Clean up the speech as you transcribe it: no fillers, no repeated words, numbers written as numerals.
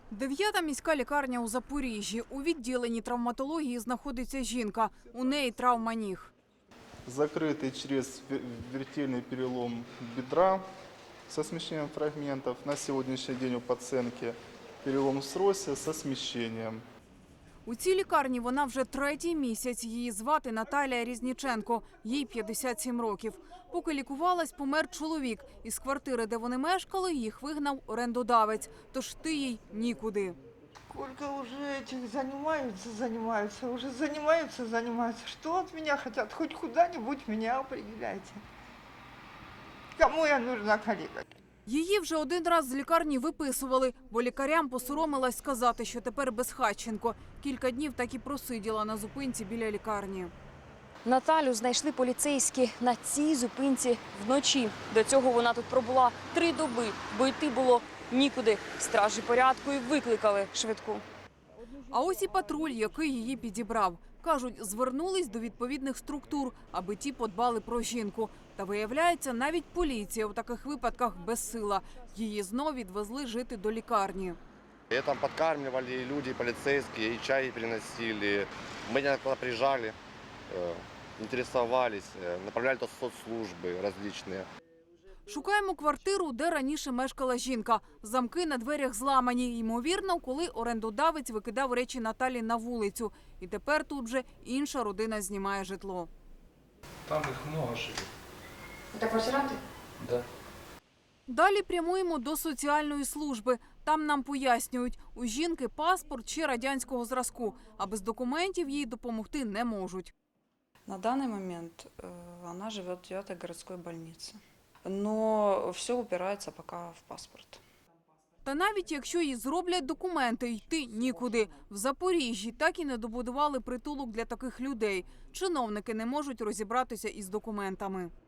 9-та міська лікарня у Запоріжжі. У відділенні травматології знаходиться жінка. У неї травма ніг. Закрытый чрезвертельный перелом бедра со смещением фрагментов. На сегодняшний день у пациентки перелом срося со смещением. У цій лікарні вона вже 3-й місяць. Її звати Наталія Різніченко. Їй 57 років. Поки лікувалась, помер чоловік. Із квартири, де вони мешкали, їх вигнав орендодавець. Тож йти їй нікуди. Сколько уже этих занимаются. Что от меня хотят? Хоть куда-нибудь меня определяйте. Кому я нужна, коллега? Її вже один раз з лікарні виписували, бо лікарям посоромилась сказати, що тепер безхатченко. Кілька днів так і просиділа на зупинці біля лікарні. Наталю знайшли поліцейські на цій зупинці вночі. До цього вона тут пробула 3 доби, бо йти було нікуди. Стражі порядку і викликали швидку. А ось і патруль, який її підібрав. Кажуть, звернулись до відповідних структур, аби ті подбали про жінку. Та виявляється, навіть поліція у таких випадках безсила. Її знов відвезли жити до лікарні. Ее там подкармливали и люди, и полицейские, и чай приносили. Мы иногда приезжали, интересовались, направляли до соцслужбы различные. Шукаємо квартиру, де раніше мешкала жінка. Замки на дверях зламані. Ймовірно, коли орендодавець викидав речі Наталі на вулицю. І тепер тут вже інша родина знімає житло. Там их много живет. Это квартиранти? Да. Далі прямуємо до соціальної служби. Там нам пояснюють, у жінки паспорт ще радянського зразку, а без документів їй допомогти не можуть. На данный момент она живет в 9-й городской больнице. Но все упирается пока в паспорт. Та навіть якщо їй зроблять документи, йти нікуди. В Запоріжжі так і не добудували притулок для таких людей. Чиновники не можуть розібратися із документами.